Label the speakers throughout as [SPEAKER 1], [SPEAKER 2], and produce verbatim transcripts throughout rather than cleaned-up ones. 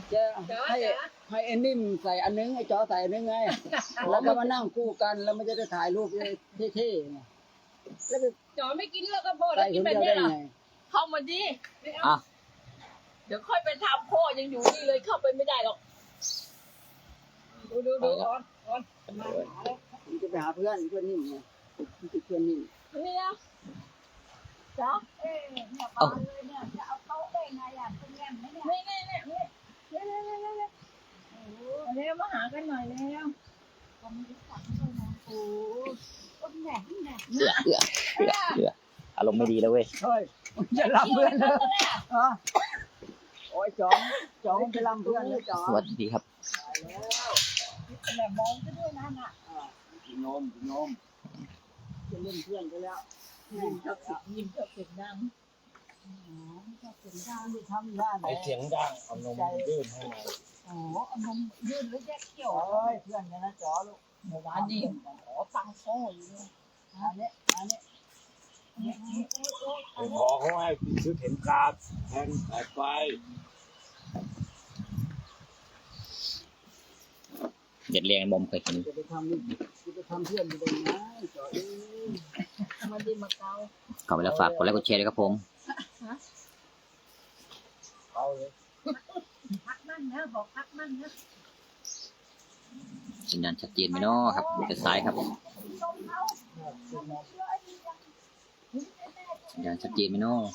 [SPEAKER 1] จะให้ให้ไอ้นิ่มใส่อันนึงไอ้จอใส่อันนึงไงแล้วก็มานั่งคู่กันแล้วมันจะได้ถ่ายรูปเท่ๆไงแล้วไป
[SPEAKER 2] จอไม่กินแล้วก็โพด
[SPEAKER 1] ใส่
[SPEAKER 2] กิ
[SPEAKER 1] คน น
[SPEAKER 2] แบบ
[SPEAKER 1] เดียว
[SPEAKER 2] นี้
[SPEAKER 1] ได้
[SPEAKER 2] เหรอ
[SPEAKER 1] ไง
[SPEAKER 2] เข้ามาดิ
[SPEAKER 3] อ่ะ
[SPEAKER 2] เดี๋ยวค่อยไปทำพ่อยังอยู่นี่เลยเข้าไปไม่ได้หรอกดูดูดูอ่อนอ่อนมาหาแล้ว
[SPEAKER 1] ผมจะไปหาเพื่อนเพื่อนนิ่มไงเพื่อนนิ่ม
[SPEAKER 2] นี่นะจ้า
[SPEAKER 4] เอ๊ะเนี่ยบานเลยเนี่ยจะเอาโต๊ะได้ไงอ่ะเป็นแง่มไหมเนี่ย
[SPEAKER 2] นี่นี่นี่นี่นี่นี่นี่นี่เร็วมาหากันหน่อยเร็ว
[SPEAKER 4] ผมรู้จักด้วยนะโอ้ต้นแหน่แหน่
[SPEAKER 3] เอือเอือเอือเอืออารมณ์ไม่ดีแล้วเว้ย
[SPEAKER 1] เฮ้ยจะรับเพื่อนเลยอ๋อโอ้ยจองจองจะรับเพื่อนเลยจอง
[SPEAKER 3] สวัสดีครับ
[SPEAKER 4] แหน่มองก็ด้วยนะน่ะ
[SPEAKER 1] กินนมกินนมจะเล่นเพื่อนไปแล้ว
[SPEAKER 2] ยิ้มชอบเสียงยิ้มชอบเสียงดัง
[SPEAKER 4] อ๋อไม่ชอบเสียงดัง
[SPEAKER 1] ทำด้านไหน
[SPEAKER 5] ไอเสียงดังเอานมยื่นให้หน่อย
[SPEAKER 4] โอ้โหเอานมยื่นแล้วแยกเกี่ยว
[SPEAKER 1] โอ้ยเพื่อนกันนะจอลูก
[SPEAKER 2] เมื่อวานนี้ขอตังค์พ่ออยู่เลย
[SPEAKER 1] อันนี้อันนี้
[SPEAKER 4] เนี่ยโอ้ยโอ้ย
[SPEAKER 5] ไปขอเขาให้ซื้อเข็มกาดแทนสายไฟ
[SPEAKER 3] เด็ดเรียงมอมเคยเห็น
[SPEAKER 1] จะไปทำจะไปทำเพื่อนอยู่ตรงไหนจอเอ้ย
[SPEAKER 2] มาดีมาเกา
[SPEAKER 3] เข้าไปแล้วฝากกดไลค์กดแชร์ด้วยครับผม
[SPEAKER 5] เอาเลย
[SPEAKER 4] พักมั่นนะบอกพักมั่นนะ
[SPEAKER 3] สัญญาณชัดเจนไหมเนาะครับเป็นซ้ายครับ
[SPEAKER 4] นมเขานมเชื่อไอ้นี่ยัง
[SPEAKER 3] สัญญาณชัดเจนไหมเนาะ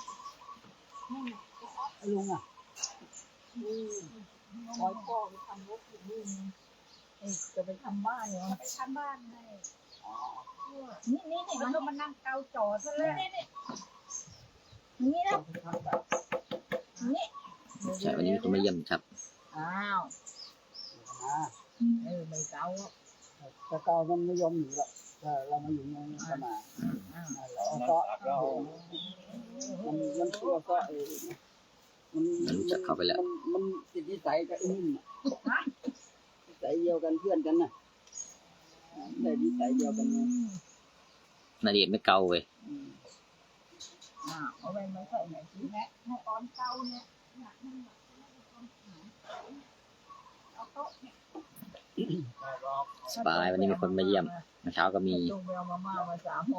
[SPEAKER 1] ลุงอ่ะ
[SPEAKER 2] คอยพ่อไปทำรถอยู่นี่จะไปทำบ้านเหรอ
[SPEAKER 4] ไปทำบ้านให้
[SPEAKER 2] นี่นี่นี่
[SPEAKER 4] แล้วก็มานั่งเกาจอซะเลย
[SPEAKER 2] นี่นะนี่
[SPEAKER 3] ใช่วันนี้มีคนมาเยี่ยมครับ
[SPEAKER 2] อ้าว
[SPEAKER 1] อ่า
[SPEAKER 2] เออไม่เกา
[SPEAKER 1] แต่เก่ามันไม่ยอมอยู่ละแต่เรามาอยู่ในนี้ก็มา
[SPEAKER 2] อ้าว
[SPEAKER 1] แล้ว
[SPEAKER 5] มัน
[SPEAKER 1] ก็
[SPEAKER 5] ตักแล้ว
[SPEAKER 1] มันมันตัวก็เออมัน
[SPEAKER 3] มันรู้จักเข้าไปแล้ว
[SPEAKER 1] มันมันติดนิสัยกับไอ้นิ่มอ่ะนิสัยเดียวกันเพื่อนกันน่ะได้นิสัยเดียวกันนะ
[SPEAKER 3] นาเดียไม่เกาเว้ย
[SPEAKER 1] อืม
[SPEAKER 2] อ้าวเอาไปมาใส่ไหนสิ
[SPEAKER 4] แม่ในตอนเกาเนี่ยเนี่ยนั่งแบบเอาโต๊ะเนี่ย
[SPEAKER 5] ไม่รอก
[SPEAKER 3] สบายวันนี้มีคนมาเยี่ยมเมื่อเช้าก็มี
[SPEAKER 2] จุงไปเอามาม่ามาสามโมง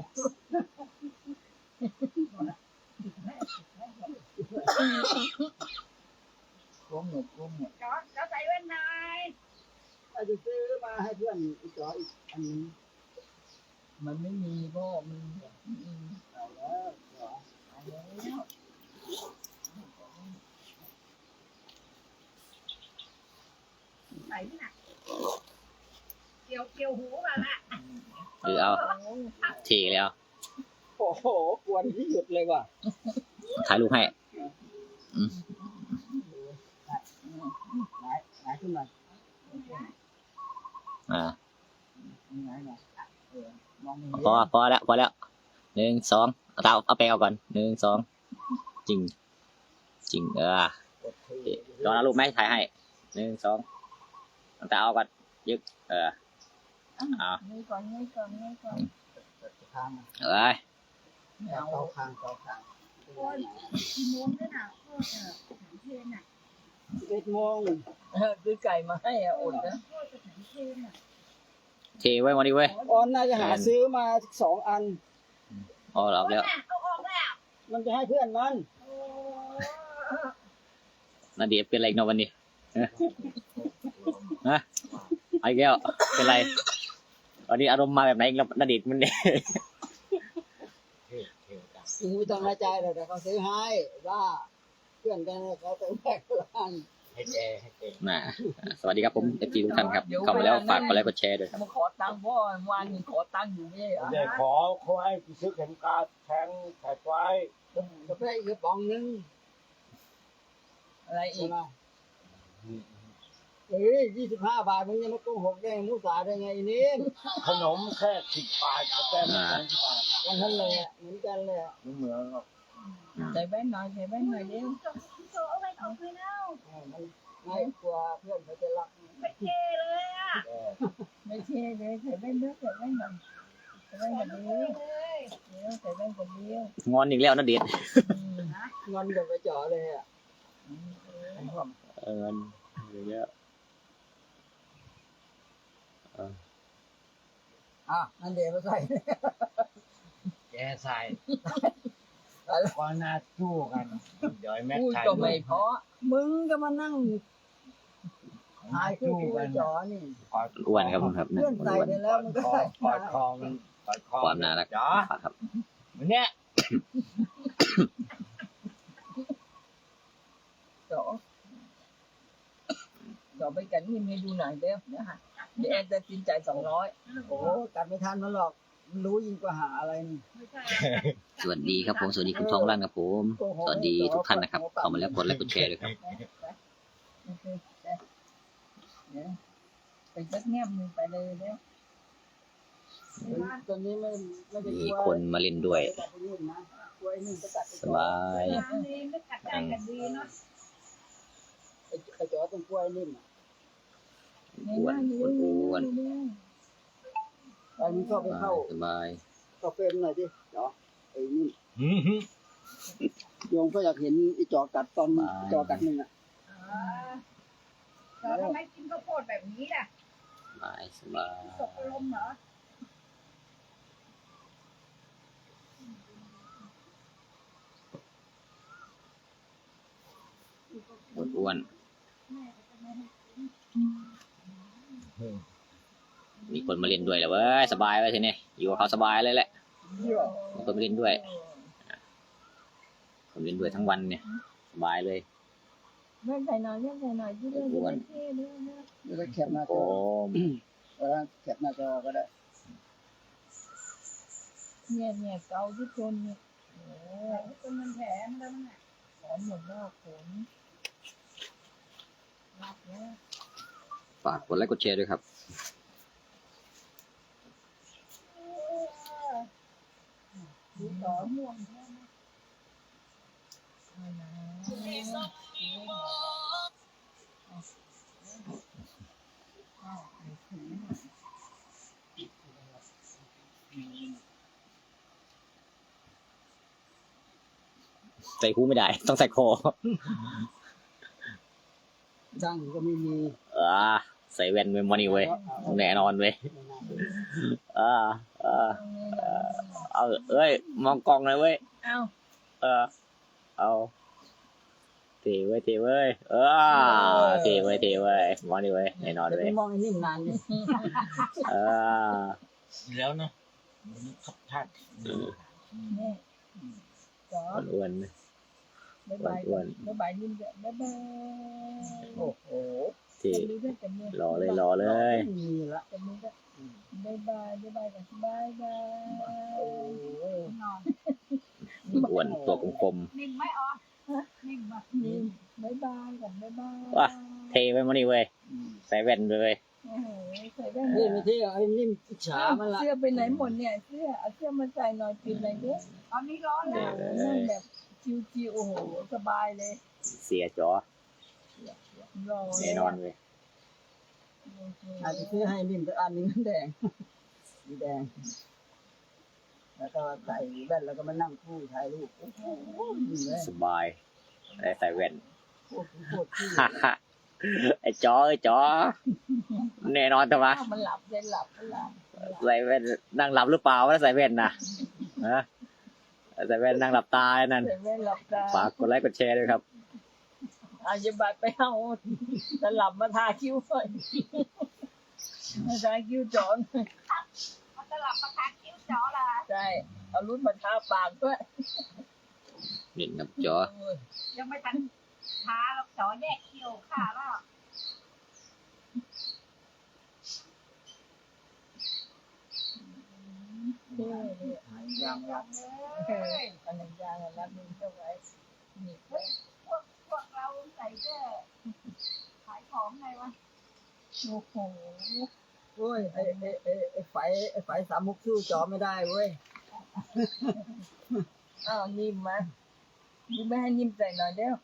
[SPEAKER 1] กลมหนุกกลมหนุก
[SPEAKER 4] จอจอใส่แว่นนาย
[SPEAKER 1] อาจจะซื้อมาให้เพื่อนอีกจออีกอันนึง
[SPEAKER 2] มันไม่มีพ่อมันอืม
[SPEAKER 1] เอาแล้วจอ
[SPEAKER 2] เอาแล้ว
[SPEAKER 4] ใส่ที่ไหนเกี่ยวเกี่ยวหูกันละ
[SPEAKER 3] หรือเอาเทแล้ว
[SPEAKER 1] โอ้โหกวนที่หยุดเลยว่ะ
[SPEAKER 3] ถ่ายรูปให้
[SPEAKER 1] ไหนไหนขึ้นมา
[SPEAKER 3] อ่า
[SPEAKER 1] ไหนหน่อยเออมองไม่
[SPEAKER 3] พอ
[SPEAKER 1] เห็น
[SPEAKER 3] พอแล้วพอแล้วหนึ่งสองเอาเท้าเอาแปรงเอาก่อนหนึ่งสองจริง จริงเออรอนะรูปไหมถ่ายให้หนึ่งสองเอาเท้าเอาก่อนยึกเออเอา
[SPEAKER 2] นี่ก่อนนี่ก่อนนี่ก่อน
[SPEAKER 1] ทางมัน
[SPEAKER 3] เอ้ย
[SPEAKER 2] ไม่เอา
[SPEAKER 1] เตาคางเตาคาง
[SPEAKER 4] โอ้ยกี่โมงด้วยน่ะเออเออสถานเพลน่ะ
[SPEAKER 1] สิบเอ็ดโมง
[SPEAKER 2] เออซื้อไก่มาให้อ่ะอดนะ
[SPEAKER 4] เออสถานเพลน่ะ
[SPEAKER 3] เทไว้วันนี้เว้ย
[SPEAKER 1] ออนน่าจะหาซื้อมาสองอัน
[SPEAKER 3] อ๋อรับแล้ว
[SPEAKER 4] เอาออกแล้ว
[SPEAKER 1] มันจะให้เพื่อนมัน
[SPEAKER 4] โอ้
[SPEAKER 3] นาเดียเป็นอะไรอีกเนาะวันนี้ฮะฮะไอ้แก้วเป็นไรวันนี้อารมณ์มาแบบไหนอีกแล้วนาเดียมันเนี่ย
[SPEAKER 5] เท่เท่ดัง
[SPEAKER 1] กูไม่ต้องเข้าใจหรอกแต่เขาซื้อให้ว่าเพื่อนกันเขาต้องแบกร้าน
[SPEAKER 5] ให้แกให้แก
[SPEAKER 3] น่ะสวัสดีครับผมเอฟซีทุกท่านครับเข้ามาแล้วฝากกดไลค์กดแชร์ด้วยครับ
[SPEAKER 2] มาขอตังค์พ่อวานขอตังค์อยู่นี่เหรอ
[SPEAKER 5] เดี๋ยวขอเขาให้ซื้อเข็มกาดแทงสายไฟ
[SPEAKER 1] กาแฟอีกกระป๋องนึง
[SPEAKER 2] อะไรอี
[SPEAKER 1] ใช่
[SPEAKER 2] ก
[SPEAKER 1] ไหมเอ้ยยี่สิบห้าบาทมึงยังมาโกหกได้มุสาได้ไงนี่
[SPEAKER 5] ขนมแค่สิบบาทกาแฟไม่แพงสิบบาท
[SPEAKER 1] กันทั้งเลยเหมือนกันเลย
[SPEAKER 5] ไม่เหมือนหรอก
[SPEAKER 2] ใส่แว่นหน่อยใส่แว่นหน่อยเร็ว
[SPEAKER 4] จบจบเอาไว้ออกไปแล้ว
[SPEAKER 1] มันง่ายกว่าเพื่อนเขาจะรัก
[SPEAKER 4] ไปเทเลยอ่ะ
[SPEAKER 5] แก
[SPEAKER 2] ไม่เท่เลยใส่แว่นด้วยใส่แว่นหน่อยใส่แว่น
[SPEAKER 4] ขอ
[SPEAKER 2] กับ
[SPEAKER 4] ดู
[SPEAKER 2] เดียว
[SPEAKER 4] เลย
[SPEAKER 2] เดี๋ยวใส่แว่นกับเดียว
[SPEAKER 3] งอนอีกแล้วนาเดีย
[SPEAKER 2] อืม
[SPEAKER 1] งอนกับไปจ่อเลยอ่ะ
[SPEAKER 3] เอเออเงินเยอะเออ
[SPEAKER 1] อ่ะนั่นเดี๋ยวมาใส่
[SPEAKER 5] แกใส่ก็น่าสู้กันเดี๋ยวไอ้แม็ก
[SPEAKER 2] พูด
[SPEAKER 5] ถ่าย
[SPEAKER 2] ก็
[SPEAKER 5] รู
[SPEAKER 2] ไม่
[SPEAKER 5] ป
[SPEAKER 2] เพราะ
[SPEAKER 1] มึงก็มานั่งถ่า
[SPEAKER 5] น่าย
[SPEAKER 1] คู่
[SPEAKER 5] สู้
[SPEAKER 1] กู
[SPEAKER 5] กัน
[SPEAKER 1] จอนี่
[SPEAKER 5] กอด
[SPEAKER 3] อ้วนครับผมครับ
[SPEAKER 1] เพื่อนใส่
[SPEAKER 3] อ้วน
[SPEAKER 1] ไปแล้วมันก็
[SPEAKER 5] คอ
[SPEAKER 1] ได้
[SPEAKER 5] กอดคอมันกอดคอ
[SPEAKER 3] ความน่ารัก
[SPEAKER 5] จ๋อ
[SPEAKER 3] ครับ
[SPEAKER 5] วันเนี้ย
[SPEAKER 2] จอจอไปกันนี่ให้ดูหน่อยเด้อนะคะเดี๋ยวแอนจะกินใจสองร้อย
[SPEAKER 1] โอ้กัดไม่ทันมันหรอกมันรู้ยิ่งกว่าหาอะไรนี่
[SPEAKER 4] ไม่ใช่
[SPEAKER 3] สวัสดีครับผมสวัสดีคุณทองร่างครับผมสวัสดีทุกท่านนะครับเข้ามาแล้วกดไลค์กดแชร์ด้วยครับ
[SPEAKER 2] เดี๋ยวไปจักแง้มมือไปเลยเด้อ
[SPEAKER 1] ตอนนี้ไม่ไม่ได้
[SPEAKER 3] มี
[SPEAKER 1] กลัว
[SPEAKER 3] คนมาเล่นด้วย
[SPEAKER 1] กัดไปนู่นนะกลัวไอ้นี่จะกัดไป
[SPEAKER 3] สบาย
[SPEAKER 4] น้ำดีไม่กัดใจกันดีเนาะ
[SPEAKER 1] ไอ้ไอ้จอต้องกลัวไอ้นิ่มอ่ะ
[SPEAKER 3] อ้วนอ้วนอ้วน
[SPEAKER 1] ไอ้มันชอบไปเข้า
[SPEAKER 3] สบาย
[SPEAKER 1] เข้าเฟรมหน่อยดิจอไอ้นิ่ม
[SPEAKER 5] หืมหืม
[SPEAKER 1] โยมก็อยากเห็นไอ้จอกัดตอนจอกัดหนึ่งอ่ะ
[SPEAKER 4] อ๋อเราทำไมกินข้าวโพดแบบนี้ล่ะ
[SPEAKER 3] สบายสบาย
[SPEAKER 4] ตกลมเหรอ
[SPEAKER 3] อ้วนอ้วนมีคนมาเล่นด้วยแล้วเว้ยสบายไว้ทีนี้อยู่กับเขาสบายเลยแหละมีคนมาเล่นด้วยคนเล่นด้วยทั้งวันเนี่ยสบายเลย
[SPEAKER 2] เลื่อนใส่หน่อยเลื่อนใส่หน่อยที่เลื่อนจะได้เท่เลื่อนนะ
[SPEAKER 1] เดี๋ยวจะแคปหน้าจ
[SPEAKER 3] โอ้
[SPEAKER 1] อเออแคปหน้าจอก็ได้
[SPEAKER 2] เนี่ยเนี่ยเกาที่คนเนี่ยโอ้
[SPEAKER 4] จนมันแผลมันแล้วมันอ่ะ
[SPEAKER 2] หอมหมดแล้วขน
[SPEAKER 4] รับเนี่ย
[SPEAKER 3] ฝากกดไลค์กดแชร์ด้วยครับ
[SPEAKER 2] ดูต่อม่วงแค่ไหมเอานะ
[SPEAKER 3] ใส่หูไม่ได้ ต้องใส่คอ
[SPEAKER 1] ดังก็ไม่มี
[SPEAKER 3] เออใส่แว่นเมมโมนี่เว้ยแน่นอนเว้ยเออเออเอาเอ้ยมองกล้องเลยเว้ย
[SPEAKER 2] เอา
[SPEAKER 3] เออเอาเทเว้ยเทเว้ยเออเทเว้ยเทเว้ยมองนี่เว้ยแน่นอน
[SPEAKER 1] จะ
[SPEAKER 3] เว้
[SPEAKER 1] ไป
[SPEAKER 3] ย
[SPEAKER 1] มองไอ้นิ่มนานนี่
[SPEAKER 3] เออ
[SPEAKER 5] แล้วนะขับทัด
[SPEAKER 2] เนี่ยจ๋อ
[SPEAKER 3] อ้วน
[SPEAKER 2] บ๊ายบายบ๊ายบายนิ่มจ้ะบ๊ายบาย
[SPEAKER 1] โอ้โห
[SPEAKER 3] ๆที่
[SPEAKER 2] จับมือด้วยจับมือ
[SPEAKER 3] รอเลยรอเลย
[SPEAKER 1] ไม่มีละ
[SPEAKER 2] จับมือด้วยบ๊ายบายบ๊ายบายกันบ๊ายบาย
[SPEAKER 1] โอ้ย
[SPEAKER 4] นอน
[SPEAKER 3] อ้วนตัวกลม
[SPEAKER 4] นิ่มไหมอ๋อนิ่มป่ะ
[SPEAKER 2] นิ่มบ๊ายบายกันบ๊ายบาย
[SPEAKER 3] ว่ะ ๆเทไว้มองนี่เว้ยใส่แว่นไปเว้ย
[SPEAKER 2] โอ้โหใส่ได้
[SPEAKER 1] นี่ไม่เที่ไอ้นิ่มอิจฉามันละ
[SPEAKER 2] เสื้อไปไหนหมดเนี่ยเสื้อเอาเสื้อมาใส่หน่อยปิดหน่อยเด้อ
[SPEAKER 4] ตอนนี้ร้อนแล้ว
[SPEAKER 2] นั่งแบบชิวๆโอ้โหสบายเลย
[SPEAKER 3] เสียจอ
[SPEAKER 2] รอ
[SPEAKER 3] แน่นอนเว้ย
[SPEAKER 1] อาจจะซื้อให้นิ่มสักอันหนึงแดงสีแดง แล้วก็ใส่แว่นแล้วก็มานั่งคู่ถ่ายรูปโอ้โหนี่เลย
[SPEAKER 3] สบายได้ใส่แว่น
[SPEAKER 1] โคตรโคตรที่
[SPEAKER 3] ฮ่าฮ่าไอ้จอไอ้จอแน่นอนแต่ว่า
[SPEAKER 2] อ้าวมันหลับเลยหลับมันหลับ
[SPEAKER 3] ใส่แว่นนั่งหลับหรือเปล่าวะใส่แว่นนะฮะใส่แว่นนั่งหลับตาไอ้นั่น
[SPEAKER 2] เสร็จแล้วหลับตา
[SPEAKER 3] ฝากกดไลค์กดแชร์ด้วยครับ
[SPEAKER 2] อาจะบัดไปเอาจะหลับมาทาคิ้วหน่อยมาทาคิ้วจอน
[SPEAKER 4] มันจะหลับประทานคิ้วจ๋อละ
[SPEAKER 2] ใช่เอารุ่นมาทาปากด้วย
[SPEAKER 3] เล่นกับจอ
[SPEAKER 4] ยังไม่ทันทาหรอกจ๋อแยกคิ้วค่ะแล้ว
[SPEAKER 2] เท่เนี่ย
[SPEAKER 1] ยังยัง
[SPEAKER 2] เอออันนั้นยางอันนั้นมึงเจ้าไว้นี่ไว้
[SPEAKER 4] พวกพวกเราใส่เสื้อขายของไงวะ
[SPEAKER 2] โอ้โห
[SPEAKER 1] โอ้ยไอ้ไอ้ไอ้ไอ้ไฟไอ้ไฟสามมุกสู้จอไม่ได้เว้ย
[SPEAKER 2] อ้าวนิ่มมาดูไม่ให้นิ่มใส่หน่อยเด้อ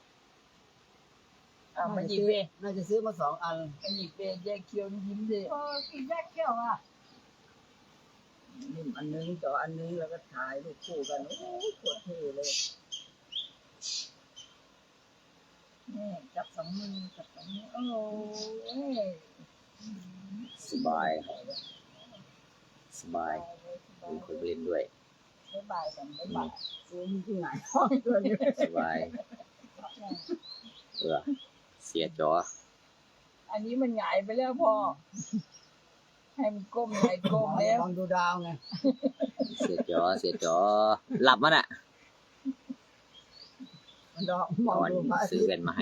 [SPEAKER 2] อ้าวมาหยิบเบ
[SPEAKER 1] น่าจะซื้อมาสองอัน
[SPEAKER 2] มาหยิบเบแยกเคี้ยวยิ้มเลย
[SPEAKER 4] เออกินแยกเขี้ยวอ่ะ
[SPEAKER 1] นิ่มอันนึงจออันนึงแล้วก็ถ่ายรูปคู่กันโอ้ยโคตรเท่เลย
[SPEAKER 2] นี่จับสองมือจับสองมือโอ้ย
[SPEAKER 3] สบายสบายมีคนไปเล่นด้วย
[SPEAKER 2] บ๊ายบายกันบ๊ายบาย
[SPEAKER 1] ตัวนี้ที่ไหนห้องตัวนี้
[SPEAKER 3] สบายเออเสียจอ
[SPEAKER 2] อันนี้มันหงายไปแล้วพ่อให้มันก้มหน่อยก้มแล้ว
[SPEAKER 1] ลองดูดาวไง
[SPEAKER 3] เสียจอเสียจอหลับมันอ่ะ
[SPEAKER 1] มันดอกม
[SPEAKER 3] ต
[SPEAKER 1] อง
[SPEAKER 3] อน
[SPEAKER 1] ดูพระอา
[SPEAKER 3] ซื้
[SPEAKER 1] ทิ
[SPEAKER 3] อ
[SPEAKER 1] ตย์
[SPEAKER 3] แว่นมาให้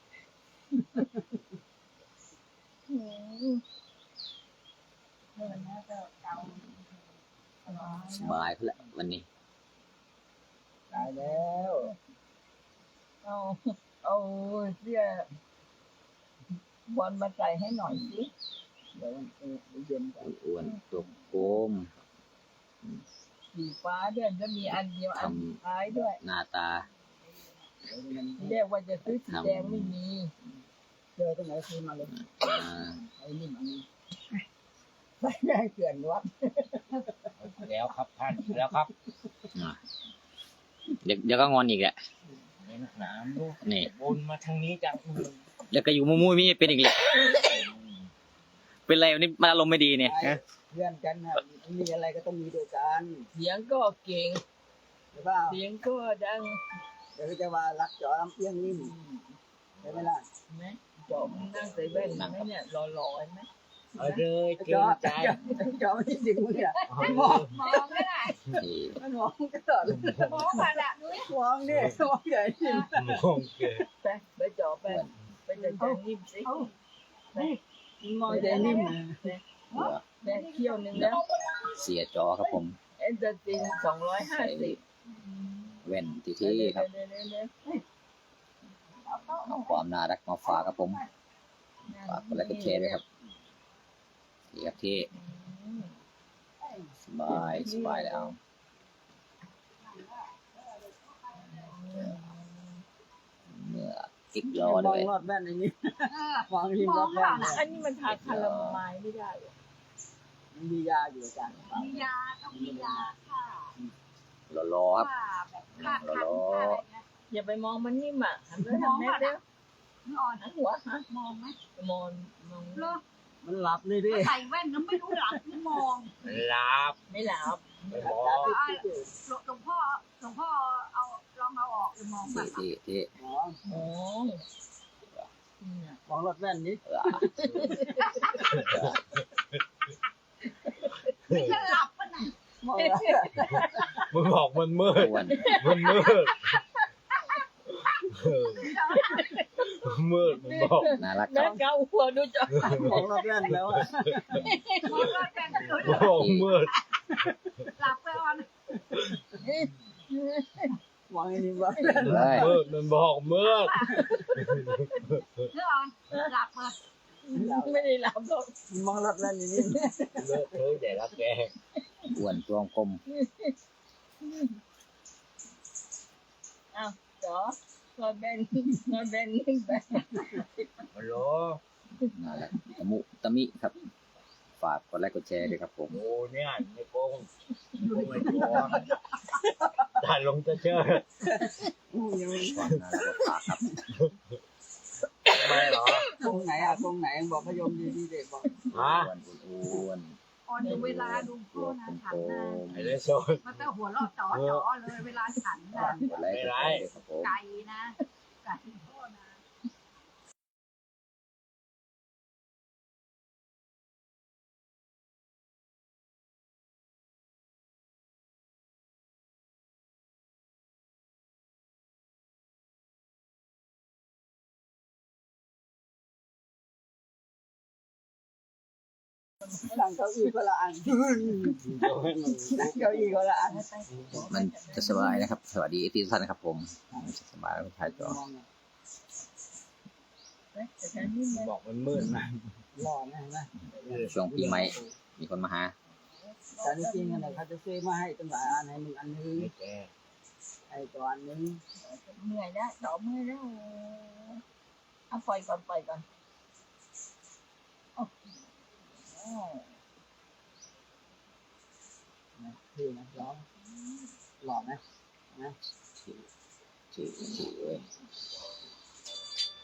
[SPEAKER 2] อืมเมื่อนี้ก็เกา
[SPEAKER 3] สบายเพื่อวันนี้
[SPEAKER 1] ตายแล้ว
[SPEAKER 2] เอาเอาเสื้อบอลมาใส่ให้หน่อยสิ
[SPEAKER 1] เดี๋ยวมันเย็นก่อน
[SPEAKER 3] อ้วนๆตัวโกม
[SPEAKER 2] สีฟ้าด้วยจะมีอันเดียวอันสุดท้ายด้วย
[SPEAKER 3] หน้าตา
[SPEAKER 1] เดี๋ยวมัน
[SPEAKER 2] เรียกว่าจะซื้อสีแดงไม่มี
[SPEAKER 1] เจอตรงไหนซื้อมาเลย
[SPEAKER 3] อ่า
[SPEAKER 1] ไอ้นี่มันไปแม่เกลื่อนวัด
[SPEAKER 5] แล้วครับท่านแล้วครับ
[SPEAKER 3] อ่าเดี๋ยวเดี๋ยวก็งอนอีกแหละ
[SPEAKER 5] เน้นหนามลูก
[SPEAKER 3] นี่
[SPEAKER 5] บนมาทางนี้จัง
[SPEAKER 3] เดี๋ยวก็อยู่มุ้ยๆมีเป็นอีกแหละเป็นไรวันนี้มันอารมณ์ไม่ดีเนี่ยฮะ
[SPEAKER 1] เพื่อนกันนะมีอะไรก็ต้องมีด้วยกัน
[SPEAKER 2] เสียงก็เก่ง
[SPEAKER 1] ใช่ป่ะ
[SPEAKER 2] เสียงก็ดัง
[SPEAKER 1] เดี๋ยวก็จะว่ารักจอลำเอียงนิ่มใช่ไหมล่ะ
[SPEAKER 2] เห็นไหมจอมนนั่งใส่แว่นเห็นไหมเนี่ยหล่อๆเห็นไหม
[SPEAKER 5] เอาเลยเกร
[SPEAKER 1] จอง
[SPEAKER 5] ใจ
[SPEAKER 1] จอไม่ได้ดึงมืออ่ะ
[SPEAKER 5] มอง
[SPEAKER 4] มองไม่ได้
[SPEAKER 3] นี่
[SPEAKER 1] มันมองก็ตอด
[SPEAKER 4] มองมาละนุ้ย
[SPEAKER 1] มองดิมองใหญ่จริง
[SPEAKER 5] มองเกร
[SPEAKER 2] ไปไปจอไปไปจัดการนิ่มสิไป
[SPEAKER 1] มองใจนิ่ม
[SPEAKER 2] แม่เที่ยวหนึงแล้ว
[SPEAKER 3] เสียจอครับผม
[SPEAKER 2] เอ็นเตอร์ตินสองร้อยห้า
[SPEAKER 3] ใส่
[SPEAKER 2] สิบ
[SPEAKER 3] แว่นที่ที่ครับเอาความน่ารักมาฝากครับผมฝากกดไลค์กดแชร์ด้วยครับนี่ครับที่สบายสบายแล้วเมื่อกิ๊กรอ
[SPEAKER 1] ม
[SPEAKER 3] ด้
[SPEAKER 1] อ
[SPEAKER 3] ว
[SPEAKER 1] ง
[SPEAKER 3] ย
[SPEAKER 1] รอดแว่นในนี้
[SPEAKER 4] เออ
[SPEAKER 1] มองริมรอดแว่น
[SPEAKER 2] อันนี้มันทาคาราไมล์ไม่ได้เหรอ
[SPEAKER 1] มียาอยู่อาจารย์
[SPEAKER 4] มียาต้องมียาค่ะ
[SPEAKER 3] รอๆครับ
[SPEAKER 4] ค่ะแบบค่าคันค่าอะไรเงี้ย
[SPEAKER 2] อย่าไปมองมันนิ่มอ่ะหันไปทางแม่เด้อ
[SPEAKER 4] นึกอ่อน
[SPEAKER 2] หันหัวฮะ
[SPEAKER 4] มองไหม
[SPEAKER 2] มองมอง
[SPEAKER 4] เลิก
[SPEAKER 1] มันหลับเลยดิ
[SPEAKER 4] ใส่แว่นแล้วไม่รู้หลับหรือมอง
[SPEAKER 5] ลาบ
[SPEAKER 2] ไม่หลับ
[SPEAKER 5] ไม่มอง
[SPEAKER 4] หลวงพ่อหลวงพ่อเอาลองเอาออกหรือมองแบ
[SPEAKER 3] ที่
[SPEAKER 4] บ
[SPEAKER 3] ที่ที่
[SPEAKER 1] มอง
[SPEAKER 2] มองเนี่ย
[SPEAKER 1] มองรอดแว่นนี้
[SPEAKER 3] เออ
[SPEAKER 4] ไม่ใช่หลับปะน่ะ
[SPEAKER 1] มอง
[SPEAKER 5] มึงบอกมันมืด
[SPEAKER 3] อ้วน
[SPEAKER 5] มันมืดเออมืดมึงบอก
[SPEAKER 3] น่ารักค
[SPEAKER 2] แม่
[SPEAKER 3] รับ
[SPEAKER 2] เกาหัวดูจอ
[SPEAKER 1] มองรอดแว่นแล้วอ่ะ
[SPEAKER 4] มองแล้วแฟนก็เกิด
[SPEAKER 5] บอกมืด
[SPEAKER 4] หลับไปอ่อน
[SPEAKER 1] มองไอ้นี่ว่า
[SPEAKER 3] เฮ้ย
[SPEAKER 5] มืดมันบอกมืด
[SPEAKER 4] เนื้ออ่อนหลับเปิด
[SPEAKER 2] ไม่ได้หลับหรอก
[SPEAKER 1] มองรอดแว่นนี่
[SPEAKER 5] เลอะเทอะใหญ่ละแก
[SPEAKER 3] อ้วนตัวกลม
[SPEAKER 2] อ้าวจอรอแบนรอแบนนิ่งไป
[SPEAKER 5] ฮัลโหล
[SPEAKER 3] น่ารักตะมุตะมิครับ ฝากกดไลค์กดแชร์ด้วยครับผม
[SPEAKER 5] โอ้เนี่ยในโกงโกงไม่โกงด่าลงจะเชื่อ
[SPEAKER 3] ความน่ารักมาฝากครับ
[SPEAKER 5] ทำไมเหรอ
[SPEAKER 1] ตรงไหนอ่ะตรงไหนบอกพยมดีๆเด็กบอก
[SPEAKER 5] ฮะ
[SPEAKER 3] อ้วนอ้วน
[SPEAKER 4] อ่อนดูเวลาดูพ่อนะฉันนะ
[SPEAKER 5] ไอ้เลโซน
[SPEAKER 4] มันจะหัวเราะจ๋อจ๋อเลยเวลาฉันนะ
[SPEAKER 3] กดไลค์กดแชร์ด้วยครับผม
[SPEAKER 4] ไก่นะไก่พ่อนะ
[SPEAKER 1] หลังเก้าอี้ก็ละอันหลังเก้าอี้ก็ละอัน
[SPEAKER 3] มันจะสบายนะครับ สวัสดีเอฟซีทุกท่านนะครับผมมันจะสบายแล้วถ่ายจอ
[SPEAKER 2] แต่ฉันนี่มัน
[SPEAKER 5] บอกมันมืดนะ
[SPEAKER 1] หล่อนะนะ
[SPEAKER 3] ช่วงปีใหม่มีคนมาหา
[SPEAKER 1] แต่จริงๆเนี่ยเขาจะซื้อมาให้ตั้งหลายอันให้มึงอันนึง
[SPEAKER 5] ไอ้แก
[SPEAKER 1] ไอ้ตัวอันนึง
[SPEAKER 2] เหนื่อยแล้วจอเมื่อยแล้วเอาปล่อยก่อนปล่อยก่อนโอ้โห
[SPEAKER 1] คือนะหล่อหล่อนะนะ
[SPEAKER 3] ชื่อชื่อชื่อเว้ย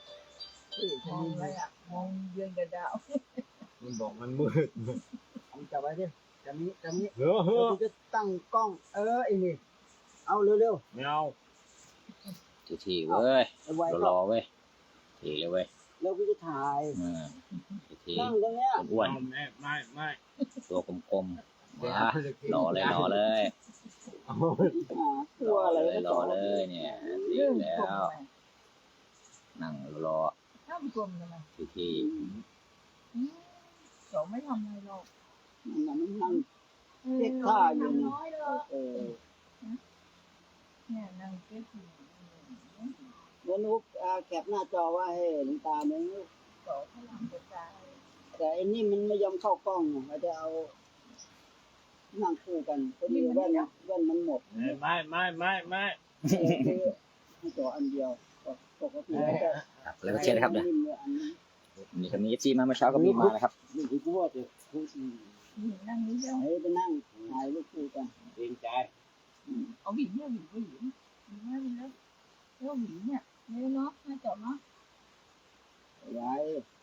[SPEAKER 1] ที่
[SPEAKER 2] ม
[SPEAKER 1] ฉั
[SPEAKER 2] อน งอะไรอ่ะมองเดือนกับดาว
[SPEAKER 5] มันบอกมันมืด
[SPEAKER 1] เอาจับไว้ดิจะมีจะมี
[SPEAKER 5] เฮ้อ
[SPEAKER 1] เดี๋
[SPEAKER 5] เฮ้
[SPEAKER 1] ยว
[SPEAKER 5] อ
[SPEAKER 1] กูจะตั้งกล้อง เออไอ้นี่เอาเร็ว
[SPEAKER 5] ไม่เอา
[SPEAKER 3] ทีๆเว้ย
[SPEAKER 1] ๆไวๆ
[SPEAKER 3] ร
[SPEAKER 1] ก็
[SPEAKER 3] อๆเว้ยทีเลยเว้ย
[SPEAKER 1] แล้วกูจะถ่าย
[SPEAKER 3] อืมที
[SPEAKER 1] นั่งตรงเนี้ย
[SPEAKER 3] ๆอ้วน
[SPEAKER 5] ไม่ไม่ไม่
[SPEAKER 3] ๆตัวกลมๆมารอเลยรอเลย
[SPEAKER 5] เอา
[SPEAKER 1] อ่าตัวอะไร
[SPEAKER 3] เลยรอเลยเนี่ยที
[SPEAKER 2] เรื่อง
[SPEAKER 3] แล้
[SPEAKER 2] กลม
[SPEAKER 3] ว
[SPEAKER 2] ทำไม
[SPEAKER 3] นั่งรอ
[SPEAKER 2] ถ้ามกลมทำไม
[SPEAKER 3] ที
[SPEAKER 2] อืมสองไม่ทำอะไรหรอก
[SPEAKER 1] นั่งนั่ง
[SPEAKER 2] เออ
[SPEAKER 1] เรียกข้าอยู่
[SPEAKER 2] ทำน้อยเลย
[SPEAKER 1] เออ
[SPEAKER 2] เนี่ยนั่งเก็บอยู่
[SPEAKER 1] แล้วนุ๊กอ่าแคปหน้าจอว่าให้หลวงตาเนี่ย
[SPEAKER 2] สองพลังกระจาย
[SPEAKER 1] แต่อันนี้มันไม่ยอมเข้ากล้องไงเราจะเอานั่งคู่กันพอดีแว่นแว่นมันหมด
[SPEAKER 5] ไม่ไม่ไม่ไม่ไม่
[SPEAKER 1] คือให้จออันเดียวปกติแล้วจะ
[SPEAKER 3] ๆครับแล้วก็เชียร์นะครับเนี่ย
[SPEAKER 1] นิ่มเลยอันนี้
[SPEAKER 3] มีคนนี้จีมาเมื่อเช้าก็มีมานะครับ
[SPEAKER 1] นี่คือกูว่าจะคือ
[SPEAKER 2] นี่นั่งนี้เดียว
[SPEAKER 1] ให้ไปนั่งถ่ายรูปคู่กัน
[SPEAKER 5] เกรงใจ
[SPEAKER 2] เอาหวีเนี่ยหวีหวีหวีไม่เป็นไรเรื่องหวีเนี่ยเนี่ยเนาะน่าจบเนาะ
[SPEAKER 1] ไว้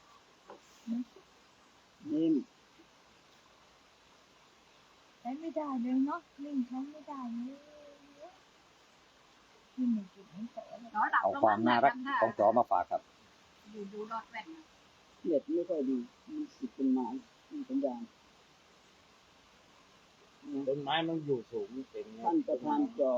[SPEAKER 1] นิ่ม
[SPEAKER 2] ใช้ไม่ได้เลยเนาะนิ่งใช้ไม่ได้เลยนี่มันจุดนี้แต่ละ
[SPEAKER 4] น้อยดับ
[SPEAKER 3] เอา
[SPEAKER 4] ลง
[SPEAKER 3] ความน่ารักของจอมาฝากครับ
[SPEAKER 4] ดูดูรอดแว่น
[SPEAKER 1] เน็ตไม่ค่อยดีมีสิทธิ์เป็นไม้มีสัญญาณ
[SPEAKER 5] ต้นไม้มันอยู่สูงเต็ม
[SPEAKER 1] ท่านประธานจอ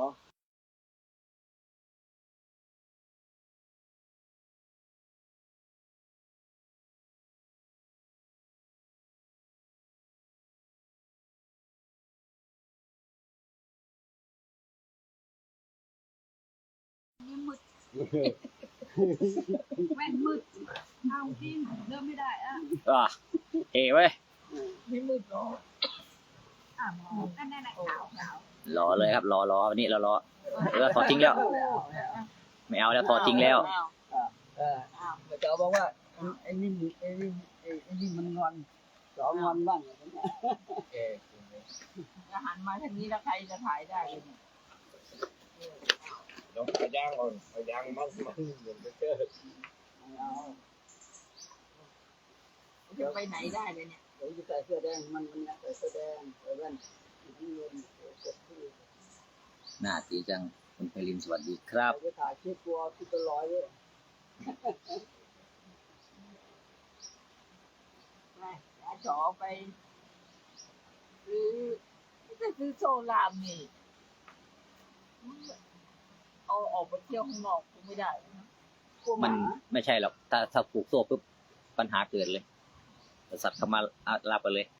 [SPEAKER 4] แว่นมืดเอาจริงเริ่มไม่ได้อ่ะ
[SPEAKER 3] อ่ะเฮ้เว้ย
[SPEAKER 2] ไม่มืดหรอก
[SPEAKER 4] อ่ะมองนั่นนั่นขาวขาว
[SPEAKER 3] รอเลยครับรอรอวันนี้เรารอเออถอดทิ้งแล้ว ไม่เอาแล้วถอดทิ้งแล้ว
[SPEAKER 1] เออจอบอกว่าไอ้นี่ไอ้นี่ไอ้นี่มันงอนจองอนบ้าง
[SPEAKER 5] แก
[SPEAKER 2] จะหันมาทางนี้แล้วใครจะถ่ายได้เลยเนี่ย
[SPEAKER 5] ต้องพยางก่อนพยางมันมันเหมือนจะเจอ
[SPEAKER 1] เอา
[SPEAKER 2] จะไปไหนได้เลยเนี่ย
[SPEAKER 1] เดี๋ยวจะใส่เสื้อแดงมันมันใส่เสื้อแดงใส่แว่นที่เงินเสื้อที่
[SPEAKER 3] หน้าตีจังคุณไพลินสวัสดีครับ
[SPEAKER 1] ไปถ่ายคลิปตัวที่ตัวร้อยเลย
[SPEAKER 2] ไปอาจอไปซื้อจะซื้อโซลามนี่เอาออกไปเที่ยวข้างนอกคงไม่ได้นะ
[SPEAKER 1] กลัวห
[SPEAKER 3] มัน
[SPEAKER 1] มา
[SPEAKER 3] ไม่ใช่หรอกถ้าถ้าผูกโซ่ปุ๊บปัญหาเกิดเลยสัตว์เข้ามาอ่ะลาบไปเลย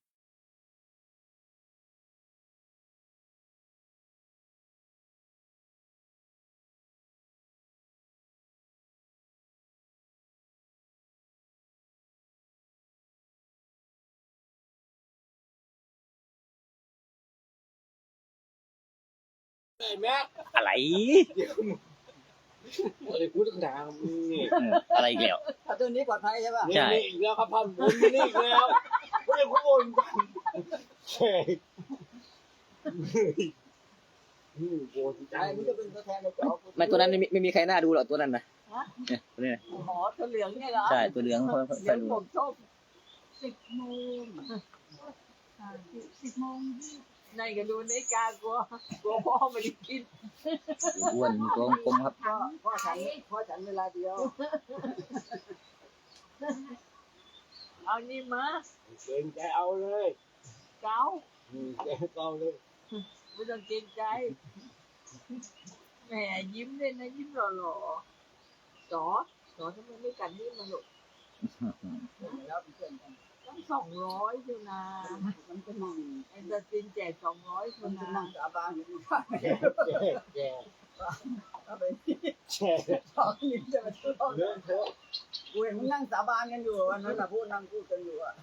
[SPEAKER 5] ไอ้แม็ก
[SPEAKER 3] อะไร
[SPEAKER 5] อะไรพูดต่างๆมึงนี่
[SPEAKER 3] อืมอะไรอีกแล้ว
[SPEAKER 1] ถ้าตัวนี้ปลอดภัยใช่ป่ะ
[SPEAKER 3] ใช่
[SPEAKER 5] นี่อีกแล้วครับพันบุญนี่อีกแล้วไม่ได้พูดแช่โอ้ย
[SPEAKER 1] ใช่มันจะเป็นตัวแทนในจอ
[SPEAKER 3] ไม่ตัวนั้นไม่มีไม่มีใครน่าดูหรอกตัวนั้นนะเนี่ยตัวนี้นะ
[SPEAKER 2] หมอตัวเหลืองเนี่ยเหรอ
[SPEAKER 3] ใช่ตัวเหลืองค่อย
[SPEAKER 2] เหลื
[SPEAKER 3] ค่อ
[SPEAKER 2] อย ง
[SPEAKER 3] ดู
[SPEAKER 2] ผมส้ม
[SPEAKER 4] สิบโมงสิบโมง
[SPEAKER 2] ในก็ดูในาฬิกากลัวกลัวพ่อไม่ได้กิน
[SPEAKER 3] อ้วนตัวกลมๆครับ
[SPEAKER 1] พ่อพ่อฉันพ่อฉันเวลาเดียว
[SPEAKER 2] เอานี่มา
[SPEAKER 5] เกรงใจเอาเลย
[SPEAKER 2] เก้า
[SPEAKER 5] แกเอาเลย
[SPEAKER 2] ไม่ต้องเกรงใจแหมยิ้มเลยนะยิ้มหล่อๆจอจอทำไมไม่กันนี่มาหรอก
[SPEAKER 1] แล้วเพื่อนกัน
[SPEAKER 2] ตั้งสองร้อยอยู่นะ
[SPEAKER 1] มันจะนั่ง
[SPEAKER 2] ไอ้จะจินแจกสองร้อยค
[SPEAKER 1] มัน
[SPEAKER 2] น
[SPEAKER 1] จะ
[SPEAKER 2] นะ
[SPEAKER 1] นั่งสาบานอยู่ที่บ้าน
[SPEAKER 5] แช่แช่
[SPEAKER 1] เอาไป
[SPEAKER 5] แช่
[SPEAKER 1] สองนิ้วจะมาทุบ
[SPEAKER 5] เลื่อนเถอะ
[SPEAKER 1] กูเห็นมึงนั่งสาบานกันอยู่วันนั้นน่ะพูดนั่งพูดกันอยู่อ่ะ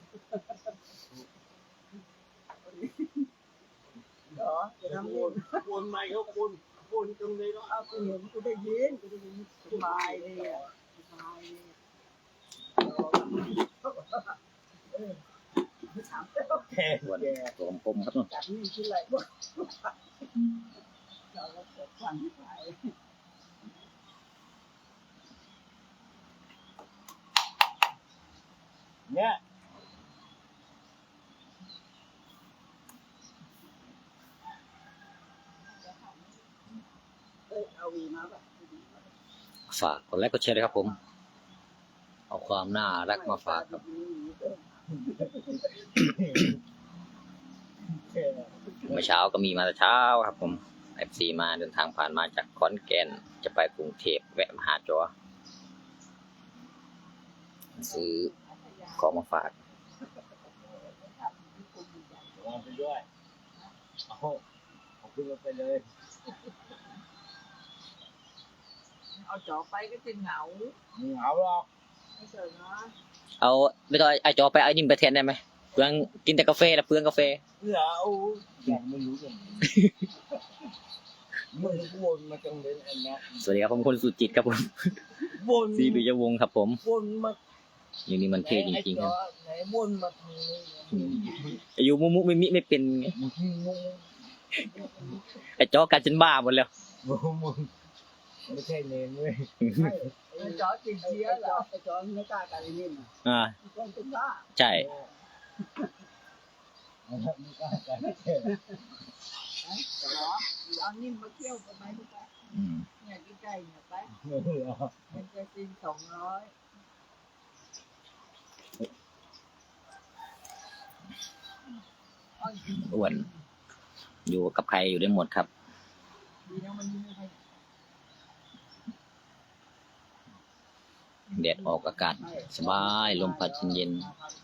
[SPEAKER 1] เหรอจะทำ
[SPEAKER 5] ปู
[SPEAKER 1] นี่
[SPEAKER 5] นปูนไม่เขาปูนปูนตรงนี้เนาะ
[SPEAKER 1] เอากูเห็นกูได้ยินกูได้ยินสบายเลยอ่ะสบายเลยเออถามแล้ว
[SPEAKER 5] แช่
[SPEAKER 3] อ้วนตัวกลมๆครับนู่น
[SPEAKER 1] จากนี่คืออะไรบ้างเราก็เกิดฟังไป
[SPEAKER 5] เนี่ย
[SPEAKER 1] เอ้ยเอาวีมาป่ะ
[SPEAKER 3] ฝากกดไลค์กดแชร์ด้วยครับผม เอาความน่ารักมาฝากครับ เมื่อเช้าก็มีมาแต่เช้าครับผมเอฟซีมาเดินทางผ่านมาจากขอนแก่นจะไปกรุงเทพแวะมาหาจอซื้อของมาฝาก
[SPEAKER 5] วางไปด้วยเอาเอาขึ้นรถไปเลย
[SPEAKER 2] เอาจอไปก็จะเหงา
[SPEAKER 5] มึงเอาหรอก
[SPEAKER 2] ไม่เจอเนาะ
[SPEAKER 3] เอาไม่ต้องไอจอไปเอานิ่มไปแทนได้ไหมเปลืองกินแต่กาแฟแล้วเปลืองกาแฟ
[SPEAKER 5] เหรอเอาอย่างไม่รู้อย่างนี้มึงวนมาจังเลยอันเนี้ย
[SPEAKER 3] สวัสดีครับผมคนสุจิตครับผม
[SPEAKER 5] วน
[SPEAKER 3] ซีบิยวงศ์ครับผม
[SPEAKER 5] วนมา
[SPEAKER 3] อย่างนี้มันเท่จริงๆครับ
[SPEAKER 5] ไหนวนมาทางนี้
[SPEAKER 3] อายุมุมุไม่มิไม่เป็นไง
[SPEAKER 5] มึงมึง
[SPEAKER 3] ไอจอกันจนบ้าหมดแล้ว
[SPEAKER 5] มึงมึงไม่ใช่เนรเว้ย
[SPEAKER 2] ไอ้จอติด
[SPEAKER 1] ไอ้
[SPEAKER 2] เชื้อ
[SPEAKER 1] ไอ้
[SPEAKER 2] เหร
[SPEAKER 1] จอ
[SPEAKER 2] อ
[SPEAKER 1] ไอ้จอไม่กล้ากันไอ้นิ่มอ่ะ
[SPEAKER 3] อ่า
[SPEAKER 1] จอนเป็นบ้า
[SPEAKER 3] ใช่
[SPEAKER 5] ไม่กล้ากัน
[SPEAKER 2] จอเอานิ่มมาเที่ยวกันไหมทุกท่าน
[SPEAKER 3] อืม
[SPEAKER 2] เนี่ยใกล้ๆเนี่ยไป
[SPEAKER 5] เหรอ
[SPEAKER 2] มันจะซินสองร้อย
[SPEAKER 3] อ้วนอยู่กับใครอยู่ได้หมดครับ
[SPEAKER 2] ดีนะมันไม่ค่อย
[SPEAKER 3] แดดออกอากาศสบายลมพัดเย็น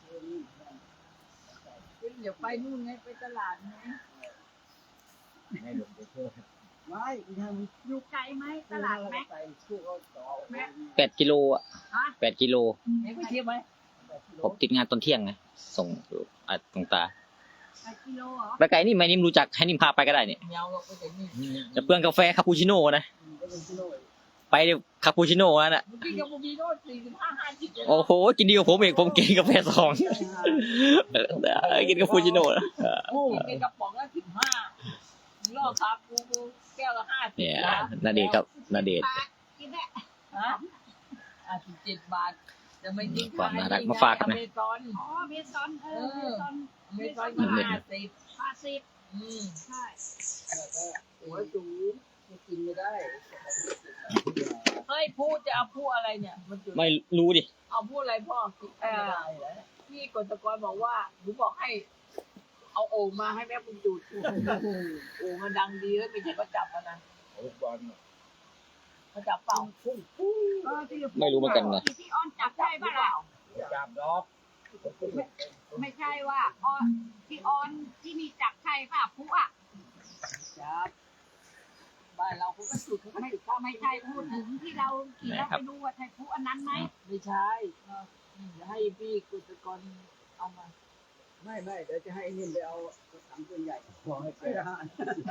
[SPEAKER 2] ขึ้นเดี๋ยวไปนู่นไงไปตลาดไง
[SPEAKER 5] ให้หลวงไปช่วย
[SPEAKER 1] ไม่ที่ทำ
[SPEAKER 4] อยู่ไกลไหมตลาดไหม
[SPEAKER 1] ไปคู่เขาต่อ
[SPEAKER 3] แปดกิโลอ่ะ
[SPEAKER 4] ฮะ
[SPEAKER 3] แปดกิโล
[SPEAKER 2] ไหนไปเที่ยวไหม
[SPEAKER 3] ผมติดงานตอนเที่ยงไงส่งอ่ะตรงตา
[SPEAKER 4] แปดกิโลเหรอ
[SPEAKER 3] ไปไกลนี่ไม่นิ่มรู้จักให้นิ่มพาไปก็ได้เนี่ย
[SPEAKER 2] เมียวเราไปแต่นี่
[SPEAKER 3] จะเปลืองกาแฟคาปูชิโน่นะ
[SPEAKER 1] ก็เป็นที่โน่น
[SPEAKER 3] ไปเดี๋ยวคาปูชิโน่นั่นน่ะ
[SPEAKER 2] เมื่อกี้กับบูบีโน่สี่สิบห้าห้าสิบ
[SPEAKER 3] โอ้โหกินดีกว่าผมอีกผมกินกาแฟสองเออกินคาปูชิโน่นะ
[SPEAKER 2] โอ้กินกระป๋องละสิบห้าล่อคาปูแก้วละห้าสิบ
[SPEAKER 3] เนี่ย
[SPEAKER 2] นะ
[SPEAKER 3] นาเดชน์ครับนาเดชน์
[SPEAKER 4] กินได้
[SPEAKER 2] ฮะอ่ะสิบเจ็ดบาทจะไม่กิน
[SPEAKER 3] ความน่ารักมาฝากกันนะ
[SPEAKER 2] อเมซอน
[SPEAKER 4] อ๋อเบซอนเออเบซอน
[SPEAKER 2] อเมซอนก็ห้าสิบ
[SPEAKER 4] ห้าสิบ
[SPEAKER 2] อืม
[SPEAKER 4] ใช่
[SPEAKER 1] หัวสูงไม่กินไม่ได้
[SPEAKER 2] เฮ้ยพูดจะเอาพูดอะไรเนี่ยมันจุด
[SPEAKER 3] ไม่รู้ดิ
[SPEAKER 2] เอาพูดอะไรพ่อเอ
[SPEAKER 1] ไม่
[SPEAKER 2] อ
[SPEAKER 1] ได้แล้ว
[SPEAKER 2] พี่กฤษกรบอกว่าหนูบอกให้ เอาโอ่งมาให้แม่บุญจุดโอ่งมันดังดีแล้วไม่ใช่ก็จับมันนะ
[SPEAKER 5] โอ้บอล
[SPEAKER 2] เขาจับเปล่า
[SPEAKER 4] เออที่
[SPEAKER 3] ไม่รู้เหมือนกันนะ
[SPEAKER 4] ที่ออนจับได้ป่ะล่ะ
[SPEAKER 5] จับดอก
[SPEAKER 4] ไม่ใช่ว่าออนที่ออนที่มีจับใช่ป่ะผู้อ่ะ
[SPEAKER 2] จับบ้านเราเขาก็จุดเขาก็
[SPEAKER 4] ไม่
[SPEAKER 2] จุดข้าม
[SPEAKER 4] ไม่ใช่พูดถึงที่เราขี่เราไปดูว่าใช่ผู้อันนั้นไหม
[SPEAKER 2] ไม่ใช่เดี๋ยวให้พี่กฤษกรเอามา
[SPEAKER 1] ไม่ไม่เดี๋ยวจะให้นิ่มไปเอาถังตัวใหญ่
[SPEAKER 5] ขอให้
[SPEAKER 1] ไป
[SPEAKER 5] เป็น
[SPEAKER 1] ทหาร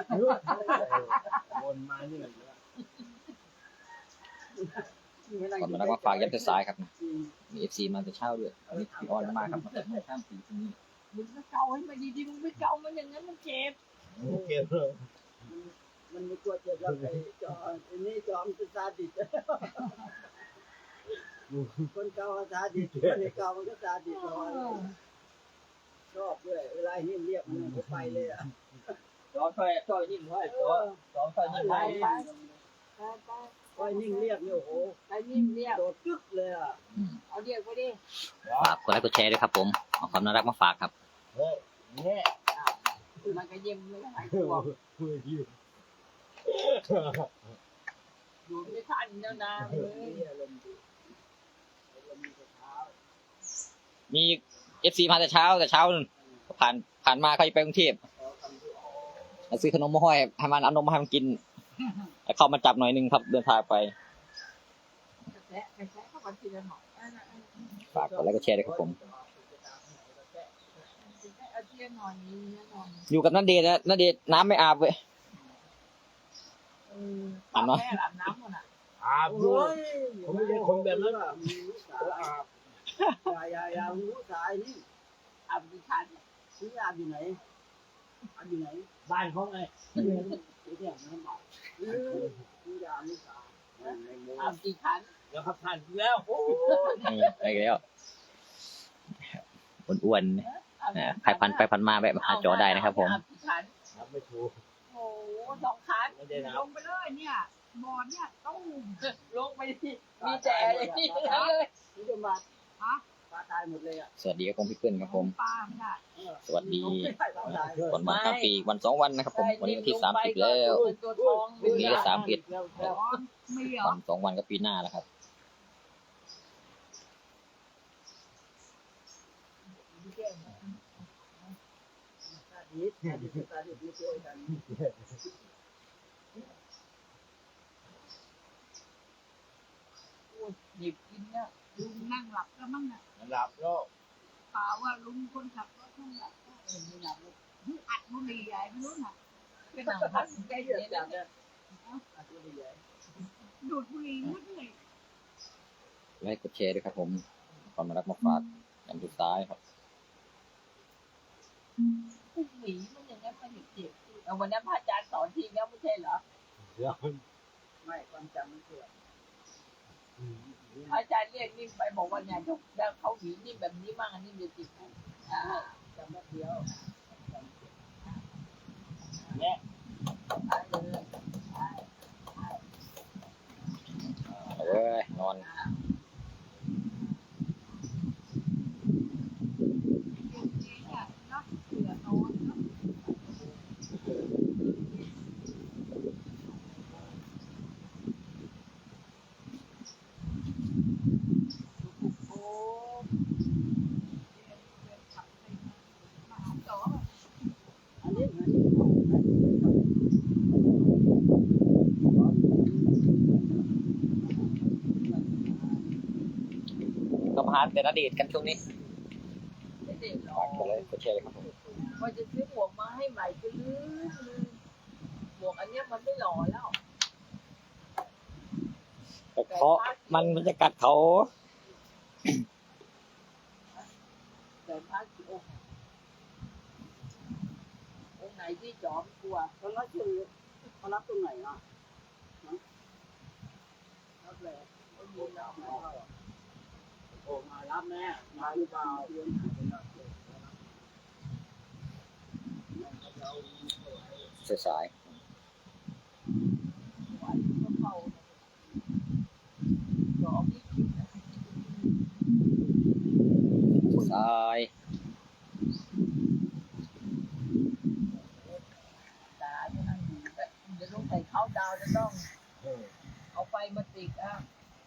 [SPEAKER 5] วนมานี่
[SPEAKER 3] ก่อนมาแล้วก็ฝากยัดเส้นซ้ายครับมีเอฟซีมาแต่เช้าด้วยนี่พี่ออนมาครับมาแต่ข้ามปีตรงนี้
[SPEAKER 2] มึงก็เกาให้มันดีๆมึงไม่เกามันอย่างนั้นมันเจ็บ
[SPEAKER 5] โอเคเลย
[SPEAKER 1] มันไม่กลัวเจ็บแล้วไอ้จอไอ้นี่จอมเป็นซาดิสคนเก่าซาดิสคนเก่ามันก็ซาดิสชอบด้วยเวลานิ่มเรียกมันก็ไปเลยอ่ะ
[SPEAKER 3] จอช่วยช่วยนิ่มด้วยจอจอช่วยนิ่ม
[SPEAKER 1] ไป
[SPEAKER 3] ด้วย
[SPEAKER 2] ไปไป
[SPEAKER 1] ไปนิ่งเรียกเนี่ยโอ้โห
[SPEAKER 2] ไปนิ่มเรียก
[SPEAKER 1] โดดจึ๊กเลยอ่ะ
[SPEAKER 2] เอาเรียกไปดิ
[SPEAKER 3] ฝากกดไลค์กดแชร์ด้วยครับผมเอาความน่ารักมาฝากครับ
[SPEAKER 5] เฮ้ยเนี่ย
[SPEAKER 2] มันก็เยี่ยมไม่หายตัวอยู่ไม่ทันแล้วนะเว้ย
[SPEAKER 3] มีเอฟซีมาแต่เช้าแต่เช้านู่นผ่านผ่านมาเขาจะไปกรุงเทพมาซื้อขนมมาห้อยให้มันเอานมมาให้มันกินแล้วเข้ามาจับหน่อยหนึงครับเดินทางไป
[SPEAKER 2] กระแทะกระแทะเข้ามาทีละหน่อย
[SPEAKER 3] ฝากกดไลค์กดแชร์ด้วยครับผม
[SPEAKER 2] เอาทีละหน่อยนี้ละหน่อย
[SPEAKER 3] อยู่กับนันเดชน์นะนันเดชน์น้ำไม่อาบเว้ย
[SPEAKER 2] เอออาบน้ำอาบน้ำมันอ่ะ
[SPEAKER 5] อาบด้วยผมไม่ใช่คนแบบนั้น
[SPEAKER 1] มีลูกสาวอาบยายายาลูกสาวนี่
[SPEAKER 2] อาบกี่คัน
[SPEAKER 1] ซื้ออาบอยู่ไหนอาบอยู่ไหน
[SPEAKER 5] บ้านเขาไง
[SPEAKER 1] ซื้อเนี่ยน้ำเมาซื้อยาลูกสาวในโม
[SPEAKER 2] อาบกี่คัน
[SPEAKER 5] แล้วครับผ่านแล้วโอ้
[SPEAKER 3] นี่ไปแล้วอ้วนๆนะใครพันไปพันมาแวะมาหาจอได้นะครับผม
[SPEAKER 5] นับไม่ถูก
[SPEAKER 2] โอ้สองคัน
[SPEAKER 5] ไม่ได้นั
[SPEAKER 4] ล
[SPEAKER 5] บ
[SPEAKER 4] งไปเลยเนี่ยบอลเนี่ยตู้ม
[SPEAKER 2] ลงไปที่มีแต่เลยที่นั่นเลย
[SPEAKER 1] นี่จะมา
[SPEAKER 4] ฮะ
[SPEAKER 1] ปลาตายหมดเลยอ่ะ
[SPEAKER 3] สวัสดีครับผมพี่เปิ้ลครับผม
[SPEAKER 4] ปลาไม่ได้
[SPEAKER 3] สวัสดี
[SPEAKER 1] ปลาตาย
[SPEAKER 3] วันมาทั้งปีวันสองวันนะครับผมวันนี้วันที่สามสิบแล้ว
[SPEAKER 2] ตัวทอง
[SPEAKER 3] พรุ่งนี้ก็สามสิบ
[SPEAKER 4] บอลไม่เหรอ
[SPEAKER 3] วันสองวันก็ปีหน้าแล้วครับ
[SPEAKER 1] ตาดีตาดีตาดีไม่ช่วยกัน
[SPEAKER 2] หยิบกินเนี่ย
[SPEAKER 4] ลุงนั่งหลับก็มั่งน่ะ
[SPEAKER 5] หลับแล้ว
[SPEAKER 4] เปล่าว่าลุงคนขับรถนั่งหลับก็เออไม่หลับเลยอัดบุหรี่ใหญ่ไม่รู้น่ะ
[SPEAKER 2] เป็นหนังพันแก
[SPEAKER 1] ไอ้
[SPEAKER 2] เย
[SPEAKER 1] เหี้ย
[SPEAKER 2] อะ
[SPEAKER 1] จั
[SPEAKER 2] จั
[SPEAKER 1] บ
[SPEAKER 2] ง
[SPEAKER 1] เนี่ยอาตัวใหญ่
[SPEAKER 4] ดูดบุหรี่มืดเลย
[SPEAKER 3] ไลค์กดแชร์ด้วยครับผมความรักมาฝากอันสุดท้ายครับ
[SPEAKER 2] ผู้หมีมันอย่างนี้มันเจ็บเอาวันนั้นพระอาจารย์สอนทีแล้วไม่ใช่เหรอ
[SPEAKER 5] เดี๋ยว
[SPEAKER 1] ไม่ความจำมันเสื่อม
[SPEAKER 2] พระอาจารย์เรียกนิ่มไปบอกว่าเนี่ยแล้วเขาหวีนิ่มแบบนี้บ้างอันนี้จะจิตใช่
[SPEAKER 1] จำแป๊บเดียว
[SPEAKER 5] เนี่ย
[SPEAKER 3] เอาเว้ยนอน
[SPEAKER 4] เดี๋ยวนี้เนี่ยเนาะเหลือนอนเนาะ
[SPEAKER 2] โอ้
[SPEAKER 4] ขับไปมาหาจอ
[SPEAKER 1] อันนี้อันนี้
[SPEAKER 3] ก็ผ่านแต่อดีตกันช่วงนี้
[SPEAKER 2] ไม่เด็กหรอ
[SPEAKER 3] ฝากกดไลค์กดแชร์เลยครับผม
[SPEAKER 2] ว่าจะซื้อหมวกมาให้ใหม่ก็ลืมหมวกอันเนี้ยมันไม่หล่อแล้ว
[SPEAKER 3] แต่เขามันมันจะกัดเขา
[SPEAKER 2] แต่พระกี่องค์องค์ไหนที่จอมกลัว
[SPEAKER 1] เขานับชื่อเขานับตรงไหนอ่ะนับเลย
[SPEAKER 2] ไม่มีแล้ว
[SPEAKER 1] โอ้มารับแม่มาหรือเปล่าเรียนหาเป็นรับเลย
[SPEAKER 3] สาย
[SPEAKER 2] ไหวก็เข้าจอมนี่คิดนะ
[SPEAKER 3] สาย
[SPEAKER 2] ตาจะนั่งอยู่แต่จะต้องใส่เข้าดาวจะต้อง
[SPEAKER 5] เออ
[SPEAKER 2] เอาไฟมาติดอ่ะ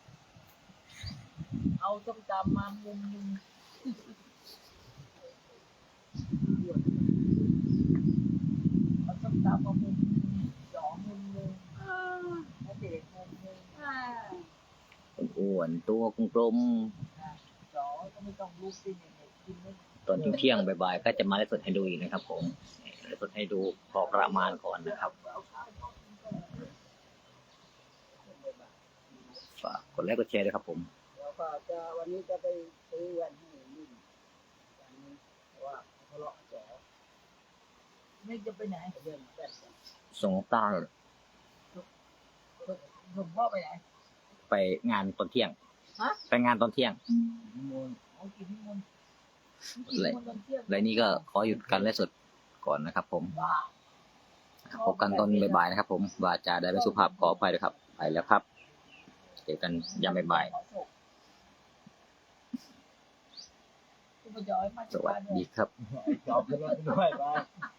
[SPEAKER 2] เอาส้มตำมามุมนึงเอาส้มตำมามุมนึงจอมุมนึงแล้วเด็กมุมนึง
[SPEAKER 3] อ้วนตัวกลม
[SPEAKER 2] จอก็ไม่ต้องลุกสิเนี่ยกินไม่
[SPEAKER 3] ๆตอนเที่ยงๆบ่ายๆก็จะมาไลฟ์สดให้ดูอีกนะครับผมไลฟ์สดให้ดูพอประมาณก่อนนะครับฝากกดไลค์กดแชร์ด้วยครับผม
[SPEAKER 1] แล้วก็จะวันนี้จะไปซื้อแว่นให้นิ่มอย่างนี้เพราะว่าเขาเลาะแจ๋ว
[SPEAKER 2] ไม่จะไปไหน
[SPEAKER 1] เรื่องแว่นกัน
[SPEAKER 3] ส่งต้า
[SPEAKER 2] หลวงพ่อไปไหน
[SPEAKER 3] ไปงานตอนเที่ยง
[SPEAKER 2] ฮะ
[SPEAKER 3] ไปงานตอนเที่ยง
[SPEAKER 5] นิมนต์
[SPEAKER 2] เอากินที่มนต์กินที่มนต์ตอนเที่ยง
[SPEAKER 3] และนี่ก็ขอหยุดการไลฟ์สดก่อนนะครับผม
[SPEAKER 2] บ้า
[SPEAKER 3] พบกันตอนบ่ายๆนะครับผมวาจาได้ไม่สุภาพขออภัยด้วยครับ ไปแล้วครับเจอกันยามบ่าย
[SPEAKER 2] คุณประย้อยมา
[SPEAKER 3] ๆส
[SPEAKER 2] จาก
[SPEAKER 3] วัส
[SPEAKER 2] บ้านเนี่ย
[SPEAKER 3] ดีครับ
[SPEAKER 5] จอบขึ้นรถไปด้วยไป